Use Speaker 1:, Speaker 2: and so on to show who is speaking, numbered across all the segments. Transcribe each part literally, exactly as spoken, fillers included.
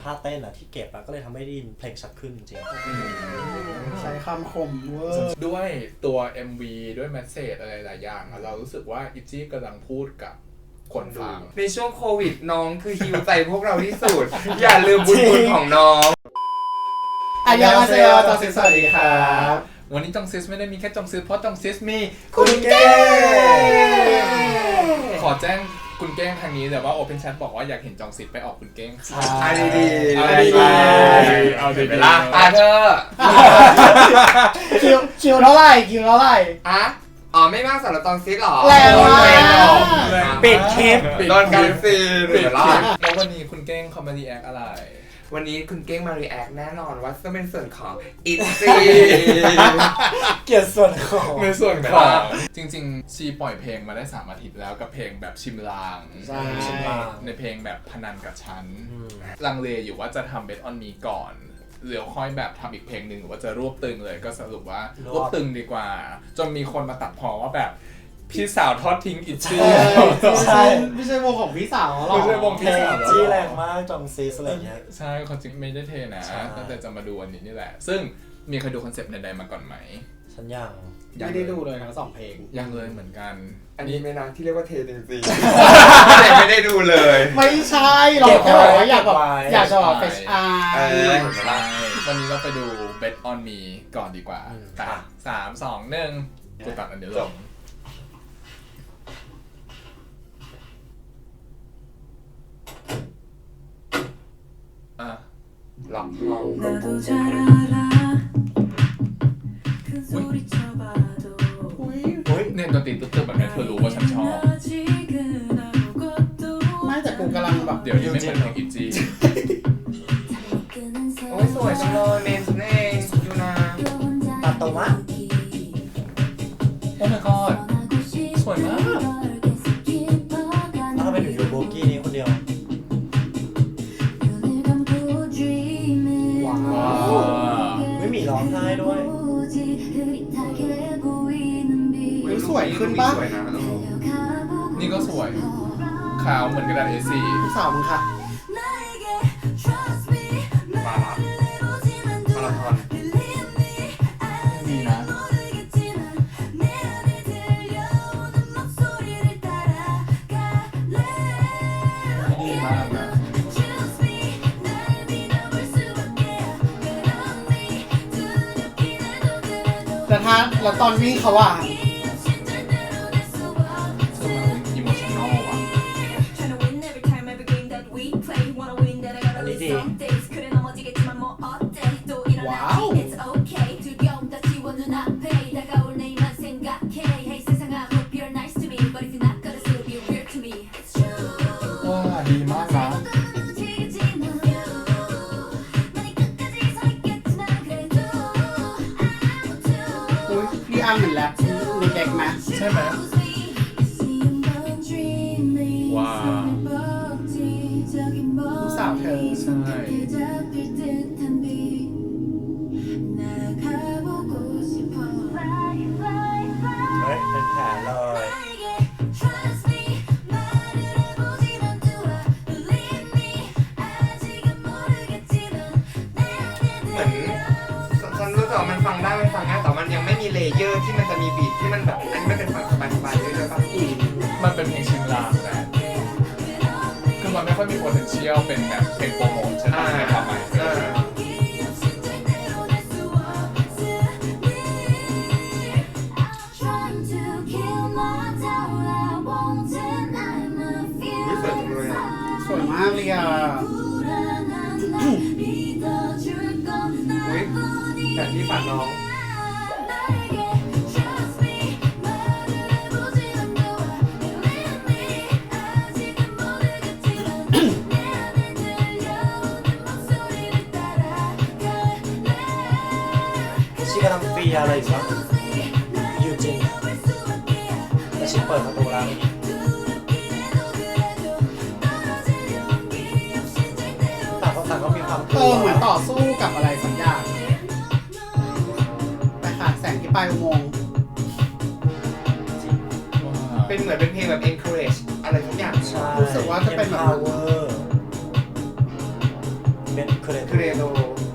Speaker 1: ท่าเต้นอะที่เก็บอะก็เลยทำให้ได้ยินเพลงชัดขึ้นจริง
Speaker 2: ใช้คำคมเวอร์
Speaker 3: ด้วยตัว เอ็ม วี ด้วยแมสเสจอะไรหลายอย่างเรารู้สึกว่าอิจี้กำลังพูดกับคนฟัง
Speaker 4: ในช่วงโควิดน้องคือฮิวใจพวกเราที่สุด อย่าลืมบุญคุณของน้อง
Speaker 2: อันยองอาเซโยจองซิสสวัสดีครับ
Speaker 3: วันนี้จองซิสไม่ได้มีแค่จองซิสเพราะจองซิสมี
Speaker 2: คุณเก้
Speaker 3: ขอแจ้งคุณเก้งทางนี้แต่ว่า Open Chat บอกว่าอยากเห็นจองซิสไปออกคุณเก้ง
Speaker 4: เอาดีดี
Speaker 3: เอาดีเอาดีเวลา
Speaker 4: อ่ะเธอ
Speaker 2: คิวคิวเท่าไหร่คิวเท่าไหร่
Speaker 4: อ่ะอ๋อไม่มากสำหรับจองซิสหรอ
Speaker 2: แรงมาก
Speaker 1: ปิดคลิป
Speaker 4: โดนการซีน
Speaker 3: ปิดคลิปแล้ววันนี้คุณเก้งเขามารีแอคอะไร
Speaker 4: วันนี้คุณเก้งมารีแอคแน่นอนว่าจะเป็นส่วนของอิซี่
Speaker 1: เกี่ยวส่วนของ
Speaker 3: ในส่วนของจริงๆชีปล่อยเพลงมาได้สามอาทิตย์แล้วกับเพลงแบบชิมลางในเพลงแบบพนันกับฉันลังเลอยู่ว่าจะทำ Bet on Me ก่อนหรือค่อยแบบทำอีกเพลงหนึ่งหรือว่าจะรวบตึงเลยก็สรุปว่ารวบตึงดีกว่าจนมีคนมาตัดพ้อว่าแบบพี่สาวทอดทิ้งอิจี้
Speaker 2: ใช่ไม่ใช่วงของพี่สาวหรอก
Speaker 3: ไม่ใช่วงพี่สาว
Speaker 1: จี้แรงมากจองซีสอะไรเงี้ย
Speaker 3: ใช่เขาจริงไม่ได้เทนะตั้งแต่จะมาดูวันนี้นี่แหละซึ่งมีใครดูคอนเซปต์ใดๆมาก่อนไหม
Speaker 1: ฉันยัง
Speaker 2: ไม่ได้ดูเลยทั้งสองเพลง
Speaker 3: ยังเลยเหมือนกัน
Speaker 4: อันนี้ไม่นะที่เรียกว่าเทจริงๆไม่ได้ดูเลย
Speaker 2: ไม่ใช่เราแค่บอกว่าอยากแบบอยากจะแบบเฟชอาร์
Speaker 3: วันนี้เราไปดู Bet on Me ก่อนดีกว่าสามสองหนึ่งกูตัดอันเดียวจบ
Speaker 4: หลับห้อง
Speaker 3: เนี่ยดนตรีตึ๊บๆแบบนี้เธอรู้ว่าฉันชอบ
Speaker 2: ไม่แต่กูกำลังแบบ
Speaker 3: เดี๋ยวนี้ไม่เหมือนเพลงอิจี้
Speaker 4: โอ้ยสวยจังเลยเมนเองยูนา
Speaker 1: ตัดตรงวะ
Speaker 3: โอ้ my god สวยมาก
Speaker 1: แล้วทำไมถึงอยู่โบกี้นี้คนเดียวไม่มีร้องไห้ด้วย
Speaker 2: สวยขึ้นป่ะ
Speaker 3: นี่ก็สวยขาวเหมือนกระดาษ เอ สี่
Speaker 2: พี่สาวมึงค่ะ
Speaker 4: มาละมาราธอน
Speaker 3: ดีนะดีมากนะ
Speaker 2: แต่ถ้าแล้วตอนวิ่งเขาอ่ะเหมือนแรปมีเด็กไหม
Speaker 3: ใช่ไหมว้าว
Speaker 2: สาวเธอ
Speaker 3: ใช่
Speaker 1: เฮ้ยเป็นแผลเลย
Speaker 4: เหมือนฉันรู้สึกว่ามันฟังได้มันฟังง่ายแต่มันยังไม่มีเลเยอร์ที่มันจะมีบีทที่มันแบบอันนี้ไม่เป็นฟังสบายๆเลยเลยป่ะ
Speaker 3: มันเป็นเพลงชิมลางนะคือมันไม่ค่อยมี potential เป็นแบบเพลงโปรโมทใช่ไหมในความหมาย
Speaker 2: สวยมากเลยอ่ะ
Speaker 4: แต่ที่ฝันน้อง
Speaker 1: ชีกำลังฟีอะไรอยู่วะอยู่จริงแต่ชีเปิดประตูแล้วต่างคนต่างก็มีความ
Speaker 2: เออเหมือนต่อสู้กับอะไรสักอย่างไปขาดแสงที่ปลายอุโมงค์
Speaker 4: เป็นเหมือนเป็นเพลงแบบ encourage อะไรทุกอย่าง
Speaker 2: รู้สึกว่าจะเป็นแบบ
Speaker 1: power เมนเคเร
Speaker 4: เคเรโล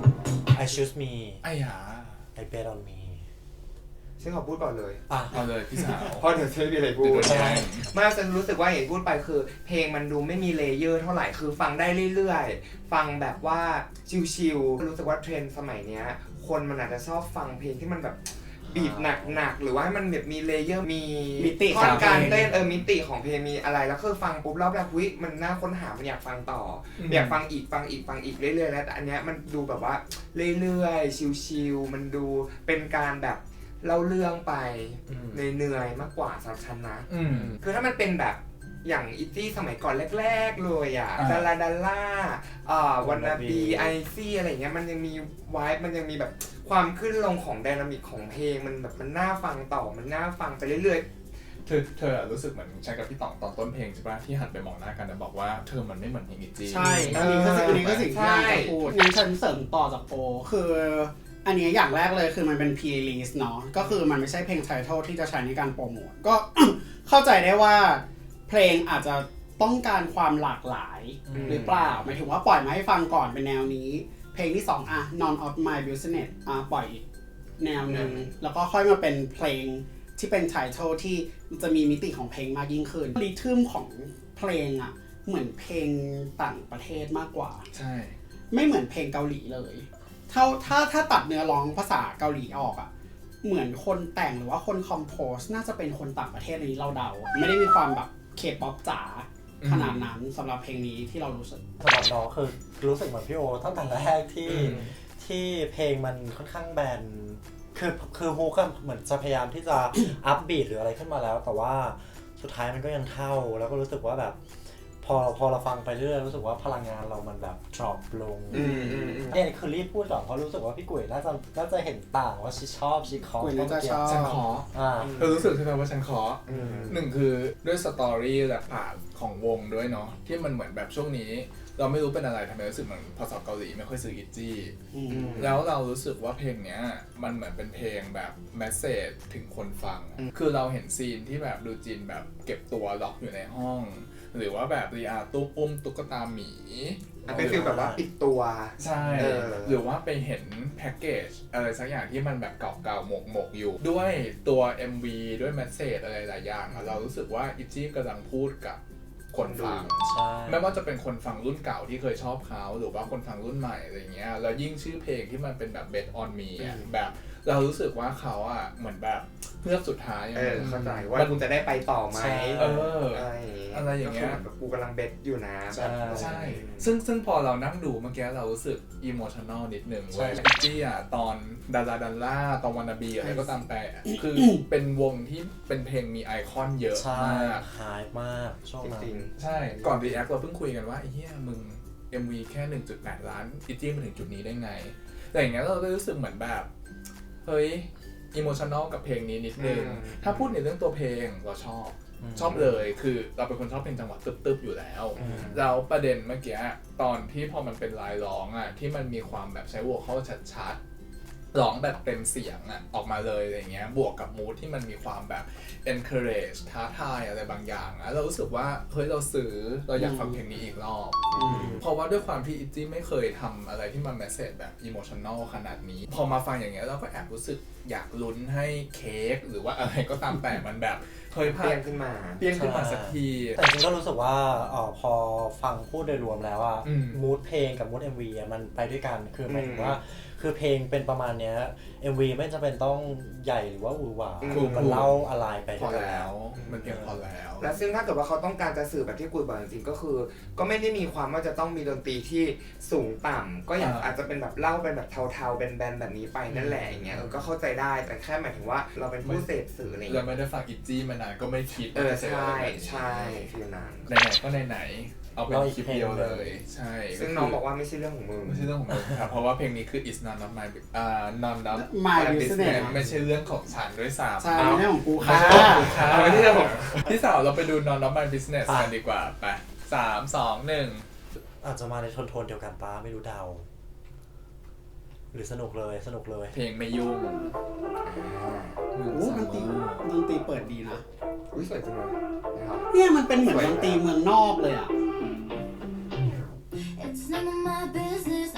Speaker 1: I choose me
Speaker 3: ไอ้หา
Speaker 1: I bet on me
Speaker 4: ฉันขอพูดก่อนเลย
Speaker 1: อ่ะ
Speaker 3: เอาเลยพี่สาว
Speaker 4: เพราะเดี๋ยวฉันไม่มีอะไรพูด
Speaker 3: เดี๋ยวโดนแย่ง
Speaker 4: ไม่ฉันรู้สึกว่าอย่างที่พูดไปคือ เพลงมันดูไม่มีเลเยอร์เท่าไหร่คือฟังได้เรื่อยๆฟังแบบว่าชิลๆรู้สึกว่าเทรนด์สมัยเนี้ยคนมันอาจจะชอบฟังเพลงที่มันแบบบีบหนักๆหรือว่าให้มันแบบมีเลเยอร์มี
Speaker 2: มิติ
Speaker 4: ท่อนการ
Speaker 2: ของเพลง
Speaker 4: เต้นเออมิติของเพลงมีอะไรแล้วคือฟังปุ๊บแล้วแบบวิมันน่าค้นหามันอยากฟังต่อออยากฟังอีกฟังอีกฟังอีกเรื่อยๆแล้วแต่อันเนี้ยมันดูแบบว่าเรื่อยๆชิลๆมันดูเป็นการแบบเล่าเรื่องไปเหนื่อยๆมากกว่าสำหรับฉันนะ
Speaker 3: อืม
Speaker 4: คือถ้ามันเป็นแบบอย่างอิตตี้สมัยก่อนแรกๆเลยอ่ะ
Speaker 3: อ่า
Speaker 4: ดาราดาล่าอ่าวันนาบีไอซี่อะไรเงี้ยมันยังมีวายมันยังมีแบบความขึ้นลงของไดนามิกของเพลงมันแบบมันน่าฟังต่อมันน่าฟังไปเรื่อย
Speaker 3: เธอเธอรู้สึกเหมือนฉันกับพี่ต๋องตอนต้นเพลงใช่ปะที่หันไปมองหน้ากันแล้วบอกว่าเธอมันไม่เหมือนเพลงอีจี
Speaker 2: ใช่ อันนี้ก็สิ่งอันนี้ก็สิ่งที่อยากจะพูดงั้นฉันเสริมต่อจากโปคืออันนี้อย่างแรกเลยคือมันเป็น pre-release เนาะก็คือมันไม่ใช่เพลง title ที่จะใช้ในการโปรโมทก็ เข้าใจได้ว่าเพลงอาจจะต้องการความหลากหลายหรือเปล่าหมายถึงว่าปล่อยมาให้ฟังก่อนเป็นแนวนี้เพลงที่สองอ่ะ none of my business อ่ะปล่อยอีกแนวหนึ่งแล้วก็ค่อยมาเป็นเพลงที่เป็น title ที่จะมีมิติของเพลงมากยิ่งขึ้นริทึมของเพลงอ่ะเหมือนเพลงต่างประเทศมากกว่า
Speaker 3: ใช่
Speaker 2: ไม่เหมือนเพลงเกาหลีเลยถ้าถ้าถ้าตัดเนื้อร้องภาษาเกาหลีออกอ่ะเหมือนคนแต่งหรือว่าคนคอมโพสน่าจะเป็นคนต่างประเทศอันนี้เราเดาไม่ได้มีความแบบเคป๊อปจ๋าขนาดนั้นสำหรับเพลงนี้ที่เรารู้สึก
Speaker 1: สำหรับน้องคือรู้สึกเหมือนพี่โอตั้งแต่แรกที่ที่เพลงมันค่อนข้างแบนคือคือฮูก็เหมือนจะพยายามที่จะ อัพบีทหรืออะไรขึ้นมาแล้ว แต่ว่าสุดท้ายมันก็ยังเท่าแล้วก็รู้สึกว่าแบบพอพอเราฟังไปเรื่อยรู้สึกว่าพลังงานเรามันแบบ drop ลง
Speaker 4: อืมอืมอืม
Speaker 1: เนี่ยคือรีบพูดก่อนเพราะรู้สึกว่าพี่กุ๋ยน่าจะน่าจะเห็นต่างว่าชิชอบชิคอ
Speaker 2: กุ๋ยน่าจะชอบ
Speaker 3: ฉันขอ
Speaker 1: อ่า
Speaker 3: เธอรู้สึกใช่ไหมว่าฉันขอ
Speaker 4: อืม
Speaker 3: หนึ่งคือด้วยสตอรี่และผ่านของวงด้วยเนาะที่มันเหมือนแบบช่วงนี้ เราไม่รู้เป็นอะไรทำไมรู้สึกเหมือนภาษาเกาหลีไม่ค่อยซื้ออิจี้
Speaker 2: อืม
Speaker 3: แล้วเรารู้สึกว่าเพลงเนี้ยมันเหมือนเป็นเพลงแบบแมสเซจถึงคนฟัง คือเราเห็นซีนที่แบบดูจินแบบเก็บตัวล็อกอยู่ในห้อง หรือว่าแบบรีอาตู้ปุ้มตุ๊กตาหมี
Speaker 4: อ่ะเป็นฟีลแบบว่าปิดตัว
Speaker 3: ใช่
Speaker 4: เออ
Speaker 3: หรือว่าไปเห็นแพ็กเกจอะไรสักอย่างที่มันแบบเก่าๆหมกๆอยู่ ด้วยตัว เอ็ม วี ด้วยแมสเซจอะไรหลายอย่างอะเรารู้สึกว่าอิจี้กำลังพูดกับคนฟัง
Speaker 1: ใช่
Speaker 3: ไม่ว่าจะเป็นคนฟังรุ่นเก่าที่เคยชอบเขาหรือว่าคนฟังรุ่นใหม่อะไรเงี้ยแล้วยิ่งชื่อเพลงที่มันเป็นแบบ Bet on Me อ่ะแบบเรารู้สึกว่าเขาอ่ะเหมือนแบบเพื่อสุดท้าย
Speaker 4: เออเข้าใจว่า
Speaker 3: มัน
Speaker 4: คุณจะได้ไปต่อไหม
Speaker 3: เออ
Speaker 4: อะไรอย่างเงี้ย
Speaker 3: อะไรอย่างเงี้ย
Speaker 4: ก็คืแบบกูกำลังเบ็ดอยู่นะแบบ
Speaker 3: ใช่ ซึ่งซึ่งพอเรานั่งดูเมื่อกี้เรารู้สึกอิโมชัน a ลนิดนึงเว้ยอิจี้อ่ะตอนดาราดันล่าตอนวานาบีอะไรก็ตามแต่คือเป็นวงที่เป็นเพลงมีไอคอนเยอะ
Speaker 1: ใช่
Speaker 3: มาก
Speaker 1: หายมากช่วง
Speaker 4: จ
Speaker 1: นั้น
Speaker 4: ริง
Speaker 3: ใช่ ก่อนรีแอคเราเพิ่งคุยกันว่าไอ้เหี้ยมึง เอ็ม วี แค่ หนึ่งจุดแปด ล้านอิจี้มาถึงจุดนี้ได้ไง แต่อย่างเงี้ยเราก็รู้สึกเหมือนแบบ เฮ้ยอิโมชัน a ลกับเพลงนี้นิดนึง
Speaker 4: อืม
Speaker 3: ถ้าพูดในเรื่องตัวเพลงเราชอบ
Speaker 1: อืม
Speaker 3: ชอบเลยคือเราเป็นคนชอบเพลงจังหวะตึบๆอยู่แล้ว
Speaker 1: อืม
Speaker 3: แล้วประเด็นเมื่อกี้ตอนที่พอมันเป็นลายร้องอ่ะที่มันมีความแบบใช้โวคอลชัดๆร้องแบบเต็มเสียงอ่ะออกมาเลยอะไรเงี้ยบวกกับมูดที่มันมีความแบบ encourage ท้าทายอะไรบางอย่างอ่ะเรารู้สึกว่าเฮ้ยเราซื้อเราอยากฟังเพลงนี้อีกรอบ เพราะว่าด้วยความที่อิตจี้ไม่เคยทำอะไรที่มันแมสเซจแบบอิโมชัน a ลขนาดนี้ พอมาฟังอย่างเงี้ยเราก็แอบรู้สึกอยากลุ้นให้เค้กหรือว่าอะไรก็ตามแต่มันแบบเฮ้ย
Speaker 4: ๆ
Speaker 3: พา
Speaker 4: เปลี่ยนขึ้นมา
Speaker 3: เปลี่ยนขึ้นมาสักที
Speaker 1: แต่จริงๆก็รู้สึกว่าเอ่อพอฟังพูดโดยรวมแล้วอะ
Speaker 3: อืม
Speaker 1: มูดเพลงกับมูด เอ็ม วี อะมันไปด้วยกันคือหมายถึง
Speaker 4: อืม
Speaker 1: ว่าคือเพลงเป็นประมาณเนี้ย เอ็ม วี ไม่จำเป็นต้องใหญ่หรือว่าหวือหวา
Speaker 4: อืม
Speaker 1: คือมันเล่าอะไรไป
Speaker 3: พ
Speaker 1: ด้
Speaker 3: อ
Speaker 1: วยกัน
Speaker 3: แล้วมันเพียงพอแล้ว
Speaker 4: และซึ่งถ้าเกิดว่าเขาต้องการจะสื่อแบบที่กุยบอกจริงๆก็คือ ก็ไม่ได้มีความว่าจะต้องมีดนตรีที่สูงต่ำก็อย่าง
Speaker 3: อ่า
Speaker 4: อาจจะเป็นแบบเล่าเป็นแบบเทาๆเป็นแบนๆแบบนี้ไปนั่นแหละอย่างเงี้ยเออก็เข้าใจได้แต่แค่หมายถึงว่าเราเป็นผู้เสพสื่ออะไร
Speaker 3: เรา
Speaker 4: เงี้ย
Speaker 3: ไม่ได้ฟังอิตจี้มานานก็ไม่คิด
Speaker 4: เออ
Speaker 3: ว่าจะ
Speaker 4: ใช่
Speaker 3: แบบนี้
Speaker 4: ใช่ฟิลนั้น
Speaker 3: ไหนๆก็ไหนๆเอาเป็นคลิปเดียวเลย ใช่
Speaker 4: ซึ่งน้องบอกว่าไม่ใช่เรื่องของมึง
Speaker 3: ไม่ใช่เรื่องของมึงครับ เพราะว่าเพลงนี้คือ is none of my อ่า none of
Speaker 2: My
Speaker 3: my
Speaker 2: business
Speaker 3: business ไม่ใช่เรื่องของฉันด้วยซ้ำ
Speaker 2: ใช่ไม่ใช่ของกู
Speaker 3: ไม่
Speaker 2: ค่ะ
Speaker 3: ใช่ของกูค่ะไม่ใช่เรื่องของพี่สาวเราไปดู none of my business กันดีกว่าไปสามสองหนึ่ง
Speaker 1: อาจจะมาในโทนๆเดียวกันป้าไม่รู้เดา หรือสนุกเลยสนุกเลย
Speaker 3: เพลงไม่ยุ่ง
Speaker 2: โอ้ดนตรีดนตรีเปิดดีนะ
Speaker 4: อุ้ยสวยจังเลยนะครับ
Speaker 2: เนี่ยมันเป็นเหมือนดนตรีเมืองนอกเลยอ่ะ
Speaker 5: It's none of my business.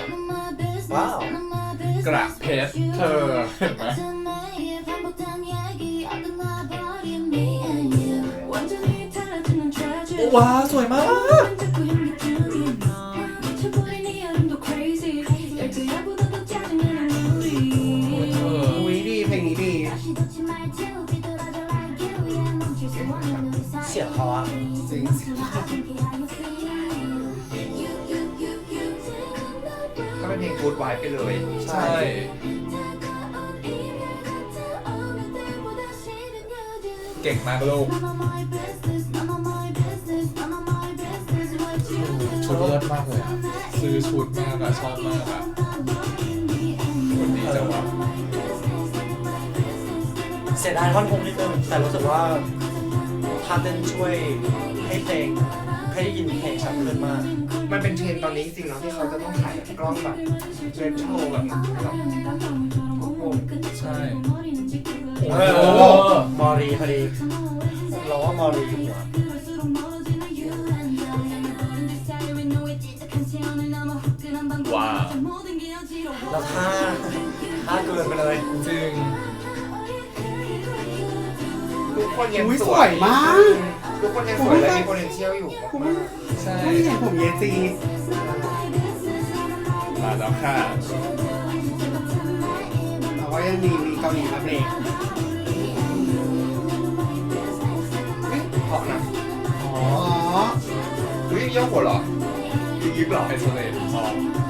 Speaker 3: กระเพชรเธอเห็นไหมว้าวสวยมาก
Speaker 2: อุ้ยดีเพลงนี้ดี
Speaker 1: เสียงเขาอะ
Speaker 2: จริง
Speaker 4: ก็เป็นเพลงกู๊ดไวไปเลย
Speaker 3: ใช่เก่งมากลูกชุดเลิศมากเลยอะซื้อชุดมากอะชอบมากอะคนดีจังวะ
Speaker 1: เสียดายท่อนฮุกนิดนึงแต่รู้สึกว่าท่าเต้นช่วยให้เพลงให้ได้ยินเพลงชัดขึ้นมาก
Speaker 4: มันเป็นเทรนด์ตอนนี้จริงๆเนาะที่เขาจะต้องถ่ายกล้องแบบเรโทรแบบแบบโอ้โห
Speaker 3: ใช่
Speaker 1: เออมอรีพอดีเราว่ามอรีอยู่หัว
Speaker 3: ว้าว
Speaker 1: แล้วท่าท่าเกินไปเลย
Speaker 3: จริง
Speaker 4: ทุกคนยัง
Speaker 2: อุ้ย
Speaker 4: ส
Speaker 2: ส
Speaker 4: ว
Speaker 2: วย ยมาก
Speaker 4: ทุกคนยังสวยและมี potential อยู่มาก
Speaker 3: ใช่
Speaker 2: ไม่เห็นผมเยจี
Speaker 3: มาแล้วค่ะ
Speaker 2: เราก็ยังมีมีเกาหลีมาเบรก
Speaker 4: ๆเฮ้ยเพราะนะ
Speaker 3: อ๋อ
Speaker 2: อ๋อ
Speaker 4: อุ้ยโยกหัวเหรอยิบยิบเหรอ
Speaker 3: ไอโซเลตอ๋อ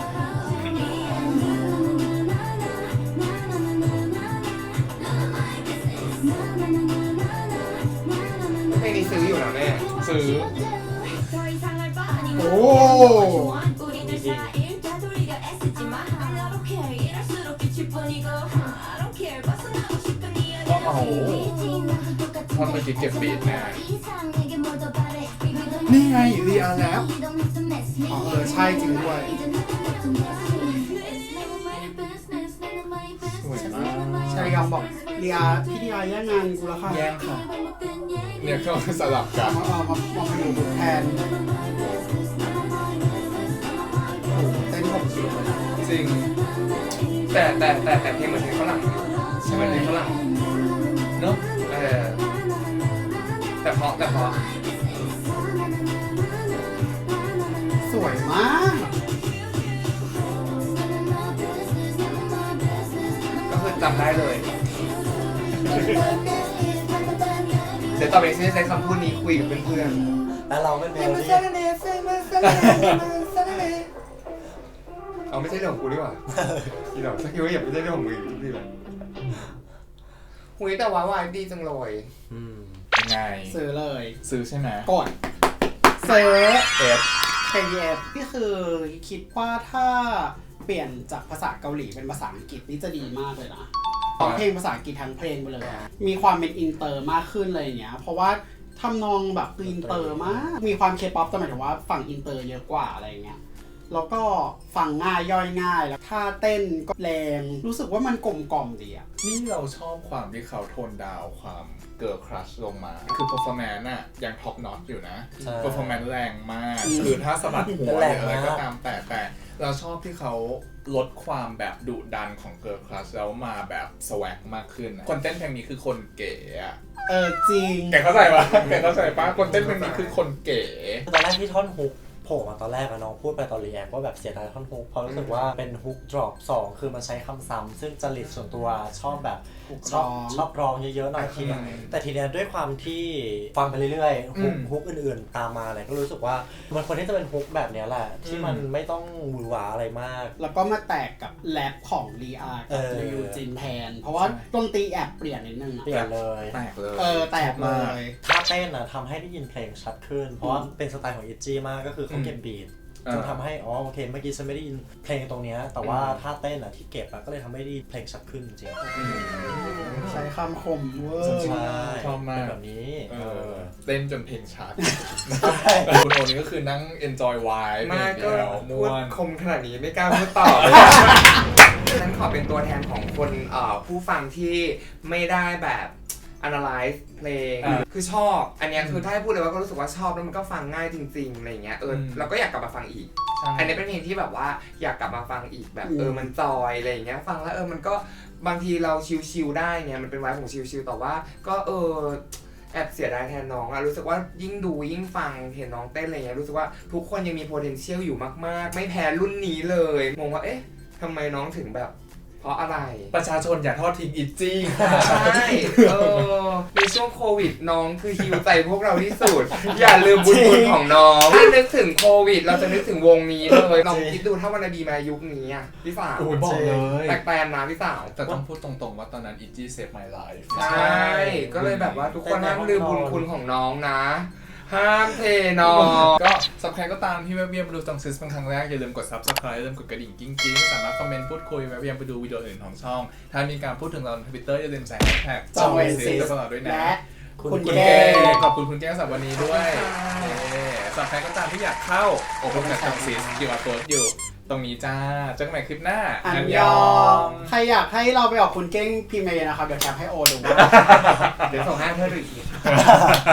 Speaker 4: เพลงนี้ซื้ออยู่นะแม่
Speaker 3: ซื้อ
Speaker 2: โอ้
Speaker 3: ก็เอาท่อนเมื่อกี้เก็บบีทแน่
Speaker 2: นี่ไงรีอาแล้ว อ๋อเออใช่จริงด้วย
Speaker 3: สวยมาก
Speaker 2: ชายอมบอกรีอาพี่รีอาแย่งงานกูแล้วค่ะ
Speaker 3: แย่งค่ะ เนี่ยก็สลับกัน
Speaker 2: มาเอามามาไปอยู่แทนโอ้โหเต้นผมสุดเลย
Speaker 3: จริง
Speaker 4: แต่แต่แต่แต่เพลงเหมือนเพลงฝรั่งอยู่ใช่ไหมเพลงฝรั่ง
Speaker 3: เนาะ
Speaker 4: เออแต่เพราะแต่เพราะ
Speaker 2: สวยมาก
Speaker 4: ก็คือจำได้เลย เดี๋ยวต่อไปฉันจะใช้คำพูดนี้คุยกับเพื่อน
Speaker 1: แล้วเราเป็นเม
Speaker 4: ๆ
Speaker 1: โลดี้
Speaker 4: เอาไม่ใช่เรื่องของกูดีกว่าที่เราสักทีว่าอย่าไม่ใช่เรื่องของมึงพี่เลยหุยแต่ว่าวายดีจังเลย
Speaker 1: อืม
Speaker 3: ยังไง
Speaker 2: ซื้อเลย
Speaker 3: ซื้อใช่ไหม
Speaker 2: กดซื้อ
Speaker 3: เอฟ
Speaker 2: เค ดี เอฟ นี่คือคิดว่าถ้าเปลี่ยนจากภาษาเกาหลีเป็นภาษาอังกฤษนี่จะดีมากเลยนะร้องเพลงภาษาอังกฤษทั้งเพลงไปเลยอะมีความเป็นอินเตอร์มากขึ้นเลยอย่างเงี้ยเพราะว่าทำนองแบบคืออินเตอร์มากมีความเคป๊อปแต่หมายถึงว่าฝั่งอินเตอร์เยอะกว่าอะไรเงี้ยแล้วก็ฟังง่ายย่อยง่ายแล้วท่าเต้นก็แรงรู้สึกว่ามันกลมกล่อมดีอะ
Speaker 3: นี่เราชอบความที่เขาโทนดาวความเกิร์ลครัชลงมา คือ performance น่ะยังท็อปนอตอยู่นะ
Speaker 1: ใช่
Speaker 3: performance แรงมาก
Speaker 2: อืม
Speaker 3: คือถ้าสะบัดหัวห
Speaker 1: แร
Speaker 3: รื
Speaker 1: ง
Speaker 3: ออะไร
Speaker 1: มาก
Speaker 3: ก็ตามแต่แต่เราชอบที่เขาลดความแบบดุดันของเกิร์ลครัชแล้วมาแบบสวักมากขึ้นนะคนเต้นเพลงนี้คือคนเก๋อะ
Speaker 2: เออจริง
Speaker 3: แกเข้าใจปะแกเข้าใจปะคนเต้นเพลงนี้คือคนเก๋
Speaker 1: ตอนแรกที่ท่อนฮุกโผล่มาตอนแรกอะน้องพูดไปตอนรีแอคว่าแบบเสียดายท่อนฮุกเพราะรู้สึกว่าเป็นฮุกดรอปสองคือมันใช้คำซ้ำซึ่งจริตส่วนตัวชอบแบบชอบ
Speaker 2: ร้อง
Speaker 1: ชอบร้องเยอะๆหน่อยทีเนี้ยแต่ทีเนี้ยด้วยความที่ฟังไปเรื่อยๆฮุกฮุกอื่นๆตามมาเนี่ยก็รู้สึกว่ามันควรที่จะเป็นฮุกแบบเนี้ยแหละที่มันไม่ต้องหวือหวาอะไรมาก
Speaker 2: แล้วก็มาแตกกับแรปของรีอาร์กับ
Speaker 1: เออ
Speaker 2: ยูจินแทน เพราะว่าดนตรีแอบเปลี่ยนนิดนึงอะ
Speaker 1: เปลี่ยนเลย
Speaker 3: แตกเลย
Speaker 2: เออแตกเลย
Speaker 1: ท่าเต้นอะทำให้ได้ยินเพลงชัดขึ้น เพราะว่าเป็นสไตล์ของอิจี้มากก็คือเขาเก็บบีทจนทำให้อ๋อโอเคเมื่อกี้ฉันไม่ได้ยินเพลงตรงเนี้ยแต่ว่าท่าเต้นอะที่เก็บอะก็เลยทำให้ได้เพลงชัดขึ้นจริง
Speaker 2: ใช้คำคมเวอ
Speaker 1: ใช่
Speaker 2: ร์
Speaker 3: ชอบมาก
Speaker 1: เป็นแบบนี้
Speaker 3: เอ
Speaker 1: เอ
Speaker 3: อ
Speaker 1: อ
Speaker 3: เต้นจนเพลงชัด
Speaker 1: ใช่
Speaker 3: แต่คุณโอนี่ก็คือนั่ง enjoy vibe
Speaker 4: มากก็
Speaker 3: เดียว
Speaker 4: พู
Speaker 3: ม่ว
Speaker 4: ด
Speaker 3: น
Speaker 4: คมขนาดนี้ไม่กล้าพูดต่อเลยฉันขอเป็นตัวแทนของคนเอ่อผู้ฟังที่ไม่ได้แบบ analyze เพลง
Speaker 3: อ่า
Speaker 4: คือชอบอันเนี้ยคือถ้าให้พูดเลยว่าก็รู้สึกว่าชอบแล้วมันก็ฟังง่ายจริงๆอะไรอย่างเงี้ยเออ
Speaker 3: อืม
Speaker 4: เราก็อยากกลับมาฟังอีก อันนี้เป็นเพลงที่แบบว่าอยากกลับมาฟังอีกแบบเออมันจอยอะไรอย่างเงี้ยฟังแล้วเออมันก็บางทีเราชิลๆได้เนี่ยมันเป็นไวบ์ของชิลๆแต่ว่าก็เออแอบเสียดายแทนน้องอะรู้สึกว่ายิ่งดูยิ่งฟังเห็นน้องเต้นอะไรเงี้ยรู้สึกว่าทุกคนยังมี potential อยู่มากๆไม่แพ้รุ่นนี้เลยงงว่าเอ๊ะทำไมน้องถึงแบบเพราะอะไร
Speaker 3: ประชาชนอย่าทอดทิ้งอิจจี้
Speaker 4: ใช่เออในช่วงโควิดน้องคือฮิวใจพวกเราที่สุด อย่าลืมบุญคุณของน้องถ้านึกถึงโควิด เราจะนึกถึงวงนี้เลยลองคิดดูถ้าวันนาบีมายุคนี้อ่ะพี่สาว
Speaker 3: โอ้ยบอกเลย
Speaker 4: แปลกๆนะพี่สาว
Speaker 3: แต่ต้องพูดตรงๆว่าตอนนั้นอิจจี้เซฟ my life
Speaker 4: ใช่ก็เลยแบบว่าทุกคนห้ามลืมบุญคุณของน้องนะ ห้ามเทน้อง
Speaker 3: ก็สำหรับใครก็ตามที่แวะเวียนมาดูจังซิสเป็นครั้งแรกอย่าลืมกด subscribe อย่าลืมกดกระดิ่งกิ้งกิ้งสามารถคอมเมนต์พูดคุยแวะเวียนไปดูวิดีโออื่นของช่อง ถ้ามีการพูดถึงเราใน Twitter อย่าลืมใส่แฮชแท็ก
Speaker 2: จังเวนซิส
Speaker 3: ตลอดด้วยนะ
Speaker 2: และ
Speaker 1: คุณ
Speaker 2: คุณ
Speaker 3: คุณ
Speaker 2: แก้
Speaker 3: แก้
Speaker 2: ง
Speaker 3: ขอบคุณคุณแก้งสำหรับวันนี้ด้วยเย้สำหรับใครก็ตามที่อยากเข้าโอ้โหกับจังซิส คิว อาร์ Code อยู่ตรงนี้จ้าเจอกันใหม่คลิปหน้า
Speaker 2: อันยอง ใครอยากให้เราไปออกคุณเก้งพิมพ์มาเลยนะครับ เดี๋ยวแคปให้โอดู
Speaker 4: เดี๋ยวส่งให้เพื่อนดูอีกที